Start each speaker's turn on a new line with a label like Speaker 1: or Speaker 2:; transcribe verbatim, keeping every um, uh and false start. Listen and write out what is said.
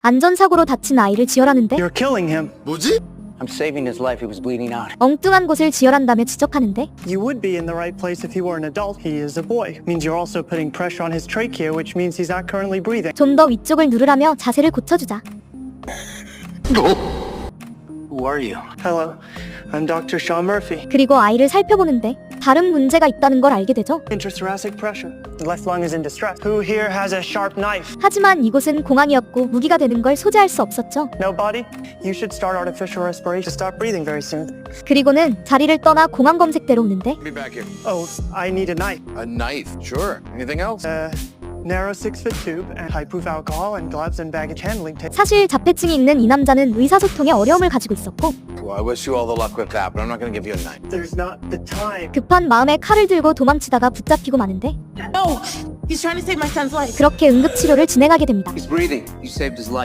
Speaker 1: 안전사고로 다친 아이를 지혈하는데
Speaker 2: You're killing him.
Speaker 3: 뭐지?
Speaker 4: I'm saving his life. He was bleeding out.
Speaker 1: 엉뚱한 곳을 지혈한다며 지적하는데
Speaker 2: You would be in the right place if he were an adult. He is a boy. Means you're also putting pressure on his trachea, which means he's not currently breathing.
Speaker 1: 좀 더 위쪽을 누르라며 자세를 고쳐주자.
Speaker 4: Who are you?
Speaker 2: Hello, I'm Doctor Sean Murphy.
Speaker 1: 그리고 아이를 살펴보는데 다른 문제가 있다는 걸 알게 되죠.
Speaker 2: Intrathoracic pressure. The left lung is in distress. Who here has a sharp knife?
Speaker 1: 하지만 이곳은 공항이었고 무기가 되는 걸 소지할 수 없었죠.
Speaker 2: Nobody? You should start artificial respiration to stop breathing very soon.
Speaker 1: 그리고는 자리를 떠나 공항 검색대로 오는데
Speaker 3: Be back here.
Speaker 2: Oh, I need a knife.
Speaker 3: A knife. Sure. Anything else?
Speaker 2: Uh, narrow six-foot tube and high-proof alcohol and gloves and baggage handling tape.
Speaker 1: 사실 자폐증이 있는 이 남자는 의사소통에 어려움을 가지고 있었고
Speaker 3: Well, I wish you all the luck with that, but I'm not going to give you a knife.
Speaker 2: There's not the time.
Speaker 1: 급한 마음에 칼을 들고 도망치다가 붙잡히고 마는데
Speaker 5: No, he's trying to save my son's life.
Speaker 1: 그렇게 응급치료를 진행하게 됩니다.
Speaker 4: He's breathing. You saved his life.